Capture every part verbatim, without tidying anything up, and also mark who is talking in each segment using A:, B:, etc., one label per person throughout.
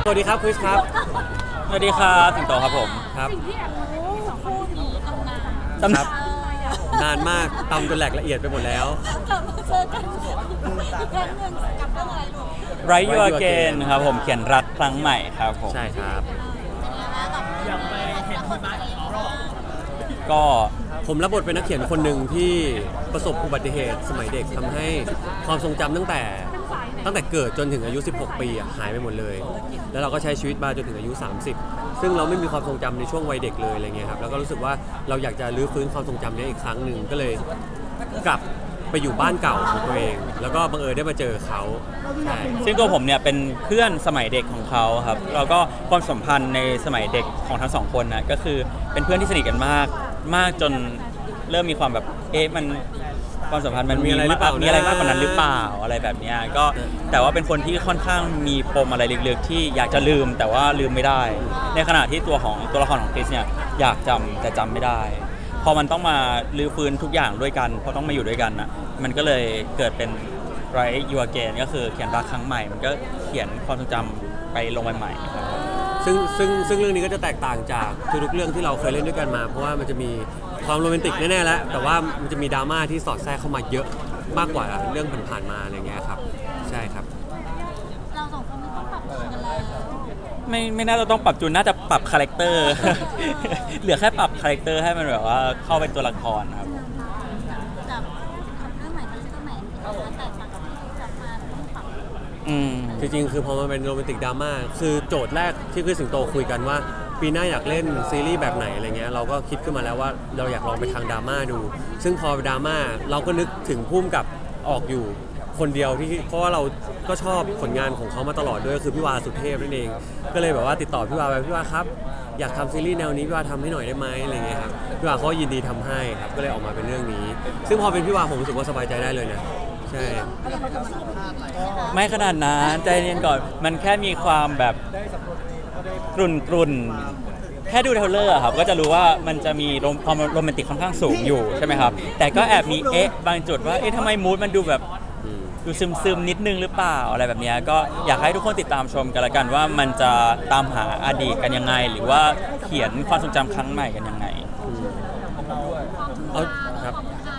A: สวัสดีครับคริสครับ
B: สวัสดีครับสิงโตครับผม
A: ครับ
C: สิ่งที่แอบรู้สองคนนี้ตำนาน
B: ตำนาน
A: นานมากตำจนแหลกละเอียดไปหมดแล้ว
C: กลับมาเจอกันอีกครั้งหนึ่งกับเรื่องอะไรลูก
B: Right You Again ครับผมเขียนรักครั้งใหม่ครับผม
A: ใช่ครับ
C: อยากไปเห็นที่บ้านอีกรอบ
B: ก็
A: ผมรับบทเป็นนักเขียนคนหนึ่งที่ประสบอุบัติเหตุสมัยเด็กทำให้ความทรงจำตั้งแต่ตั้งแต่เกิดจนถึงอายุสิบหกปีหายไปหมดเลยแล้วเราก็ใช้ชีวิตมาจนถึงอายุสามสิบซึ่งเราไม่มีความทรงจำในช่วงวัยเด็กเลยอะไรเงี้ยครับแล้วก็รู้สึกว่าเราอยากจะรื้อฟื้นความทรงจำนี้อีกครั้งหนึ่งก็เลยกลับไปอยู่บ้านเก่าของตัวเองแล้วก็บังเอิญได้มาเจอเขาใช่
B: ซึ่งตัวผมเนี่ยเป็นเพื่อนสมัยเด็กของเขาครับแล้วก็ความสัมพันธ์ในสมัยเด็กของทั้งสองคนนะก็คือเป็นเพื่อนที่สนิทกันมากมากจนเริ่มมีความแบบเอ๊ะมันความสัมพันธ์มันมีอะไรมีอะไรมากกว่านั้นหรือเปล่าอะไรแบบนี้ก็แต่ว่าเป็นคนที่ค่อนข้างมีปมอะไรลึกๆที่อยากจะลืมแต่ว่าลืมไม่ได้ในขณะที่ตัวของตัวละครของคริสเนี่ยอยากจำแต่จำไม่ได้พอมันต้องมาลื้อฟื้นทุกอย่างด้วยกันเพราะต้องมาอยู่ด้วยกันนะมันก็เลยเกิดเป็น Right You Again ก็คือเขียนรักครั้งใหม่มันก็เขียนความทรงจำไปลงไปใหม่ครับ
A: ซึ่งซึ่งซึ่งเรื่องนี้ก็จะแตกต่างจากทุกๆเรื่องที่เราเคยเล่นด้วยกันมาเพราะว่ามันจะมีความโรแมนติกแน่ๆแล้วแต่ว่ามันจะมีดราม่าที่สอดแทรกเข้ามาเยอะมากกว่าเรื่องผ่านๆมาอะไรเงี้ยครับใช่ครับ
C: เราสองคนไม่ต้องปรับตัวกันแล้ว
B: ไม่ไม่น่าจะต้องปรับจูนน่าจะปรับคาแรคเตอร์ เหลือแค่ปรับคาแรคเตอร์ให้มันแบบว่าเข้าเป็นตัวละครครับ
C: กับเรื่องใหม่กับเรื่องใหม่แตกต่างกับที่จับมาต้องปรับ
B: อืม
A: จริงๆคือพอมันเป็นโรแมนติกดราม่าคือโจทย์แรกที่คือสิงโตคุยกันว่าปีหน้าอยากเล่นซีรีส์แบบไหนอะไรเงี้ยเราก็คิดขึ้นมาแล้วว่าเราอยากลองไปทางดราม่าดูซึ่งพอดราม่าเราก็นึกถึงพุ่มกับออกอยู่คนเดียวที่เพราะว่าเราก็ชอบผลงานของเขามาตลอดด้วยคือพี่วาสุเทพนั่นเองก็เลยแบบว่าติดต่อพี่วาไปพี่วาครับอยากทำซีรีส์แนวนี้พี่วาทำให้หน่อยได้ไหมอะไรเงี้ยครับพี่วาเขายินดีทำให้ครับก็เลยออกมาเป็นเรื่องนี้ซึ่งพอเป็นพี่วาผมรู้สึกว่าสบายใจได้เลยนะใช่
B: ไม่ขนาดนั้นใจเย็นก่อนมันแค่มีความแบบกรุ่นกรุ่นแค่ดูเทรลเลอร์ครับก็จะรู้ว่ามันจะมีความโรแมนติกค่อนข้างสูงอยู่ใช่ไหมครับแต่ก็แอบมีเอ๊ะบางจุดว่าเอ๊ะทำไมมูดมันดูแบบดูซึมซึมนิดนึงหรือเปล่าอะไรแบบนี้ก็อยากให้ทุกคนติดตามชมกันละกันว่ามันจะตามหาอดีตกันยังไงหรือว่าเขียนความทรงจำครั้งใหม่กันยังไง
A: เอาครับ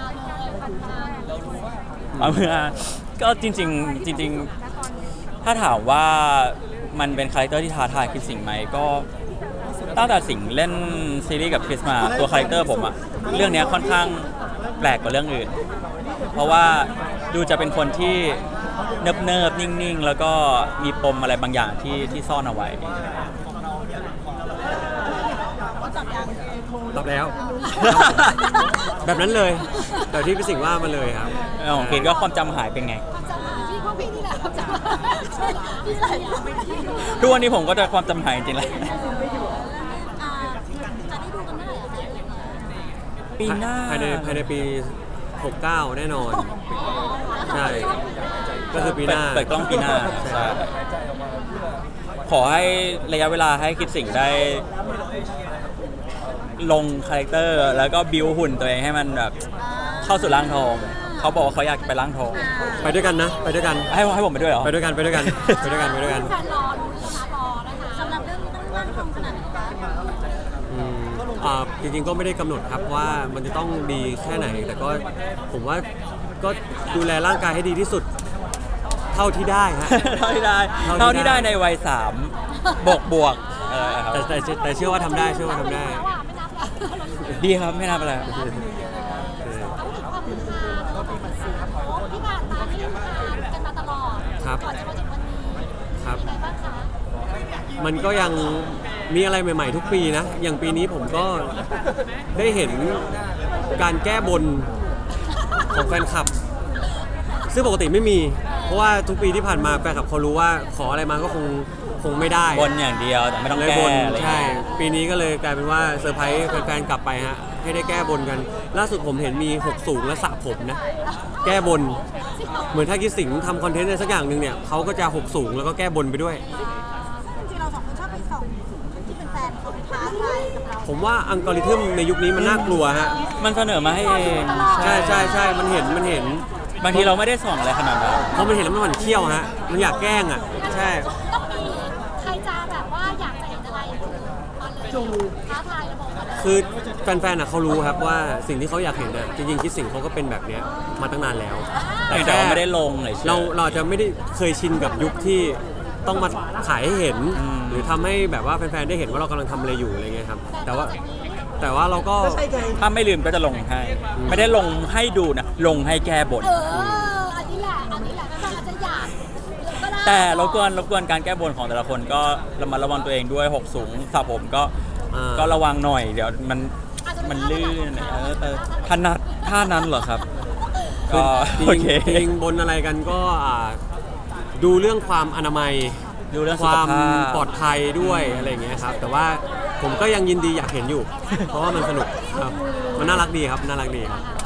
B: เอาเมื่อก็จริงๆจริงๆถ้าถามว่ามันเป็นคาแรคเตอร์ที่ท้าทายคริสสิงห์ไหมก็ตั้งแต่สิงห์เล่นซีรีส์กับคริสมาตัวคาแรคเตอร์ผมอะเรื่องนี้ค่อนข้างแปลกกว่าเรื่องอื่นเพราะว่าดูจะเป็นคนที่เนิบเนิบนิ่งๆแล้วก็มีปมอะไรบางอย่างที่ที่ซ่อนเอาไว้
A: ตอบแล้วแบบนั้นเลยแต่ที่พี่สิงห์ว่ามาเลยครับ
B: ของคริสก็ความจำหายเป็นไง
C: พี่พ่อพี่นี่แหละจำพี่ไหล
B: ทุกวันนี้ผมก็จะความจำหายจริงๆเลย
C: จะได้ดูกันเมื่อไหร่อะคะ
B: ปีหน้า
A: ภายในภายในปีหกสิบเก้าแน่นอนใช่ก็คือปีหน้า
B: เปิดกล้องปีหน้าใช่ขอให้ระยะเวลาให้คริสสิงห์ได้ลงคาแรคเตอร์แล้วก็บิวหุ่นตัวเองให้มันแบบเข้าสู่ร่างทองเขาบอกว่าเขาอยากไปร่างทอง
A: ไปด้วยกันนะไปด้วยกัน
B: ให้ให้ผมไปด้วยเหรอ
A: ไปด้วยกันไปด้วยกันไปด้วยกันไปด้วยกัน
C: แฟนรอดูนะคะรอนะคะสำหรับเรื่องนี้ต้องร่างทองขนาดไหนคะ
A: อ่าจริงๆก็ไม่ได้กำหนดครับว่ามันจะต้องดีแค่ไหนแต่ก็ผมว่าก็ดูแลร่างกายให้ดีที่สุดเท่าที่ได้ฮะ
B: เท่าที่ได้เท่าที่ได้ในวัยสามบวกบวก
A: แต่แต่แต่เชื่อว่าทำได้เชื่อว่าทำได้
B: ดีครับไม่นับอะไร
C: ที่ผ่านมาที่ทานกันมาตลอดก่อนจะมาถึงวันนี้
A: ครับ
C: เป็นไงบ้างคะ
A: มันก็ยังมีอะไรใหม่ๆทุกปีนะอย่างปีนี้ผมก็ได้เห็นการแก้บนของแฟนคลับซึ่งปกติไม่มีเพราะว่าทุกปีที่ผ่านมาแฟนคลับเขารู้ว่าขออะไรมาก็คงคงไม่ได้
B: บนอย่างเดียวแต่ไม่ต้องแก้อะไร
A: ใช่ปีนี้ก็เลยกลายเป็นว่าเซอร์ไพรส์แฟนๆกลับไปฮะให้ได้แก้บนกันล่าสุดผมเห็นมีหกสูงและสระผมนะแก้บนเหมือนถ้าคิดสิงทำคอนเทนต์อะไรสักอย่างหนึ่งเนี่ยเขาก็จะหกสูงแล้วก็แก้บนไปด้วย
C: จริงๆเราสองคนชอบไปส่องที่เป็นแฟนเขาท้าทายกับเรา
A: ผมว่าอัลกอริทึมในยุคนี้มันน่ากลัวฮะ
B: มันเสนอมาให้เอง
A: ใช่ใช่ใช่มันเห็นมันเห็น
B: บางทีเราไม่ได้ส่องอะไรขนาดนั้น
A: เพราะมันเห็นแล้วมันหมั่นเขี้ยวฮะมันอยากแกล้งอ่ะใช่
C: ต้องมีใครจะ
D: ดู
C: ท้าทายระบบอะไร
A: คือแฟนๆอ่ะเขารู้ครับว่าสิ่งที่เขาอยากเห็นน่ะจริงๆคิดสิ่งเขาก็เป็นแบบเนี้ยมาตั้งนานแล้ว
B: แต่แต่ว่าไม่ได้ลงเลย
A: เราเราอาจจะไม่ได้เคยชินกับยุคที่ต้องมาขายให้เห็น
B: อืม
A: หรือทำให้แบบว่าแฟนๆได้เห็นว่าเรากำลังทำอะไรอยู่อะไรเงี้ยครับแต่ว่าแต่ว่าเราก็
D: ก็ใช่ไง
B: ถ้าไม่ลืมก็จะลงให้ ไม่ได้ลงให้ดูนะ ลงให้แก้บน
C: เอออันนี้แหละอันนี้แหละก็อาจจะอยากก็ได้
B: แต่รบกวนรบกวนการแก้บนของแต่ละคนก็ระมัดระวังตัวเองด้วยหกสูงสระผมก็
A: อ่า
B: ก็ระวังหน่อย เดี๋ยวมันมันลื่นเออเออถนัดท่านั้นเหรอครับ
A: คือ
B: ก็
A: จริ
B: โอง เค
A: จริงบนอะไรกันก็อ่าดูเรื่องความอนามัย
B: ดูเรื่อง
A: ค
B: สุข
A: วาม
B: ภาพ
A: ปลอดภัยด้วยอะไรอย่างเงี้ยครับ แต่ว่าผมก็ยังยินดีอยากเห็นอยู่ เพราะว่ามันสนุกครับมันน่ารักดีครับน่ารักดีครับ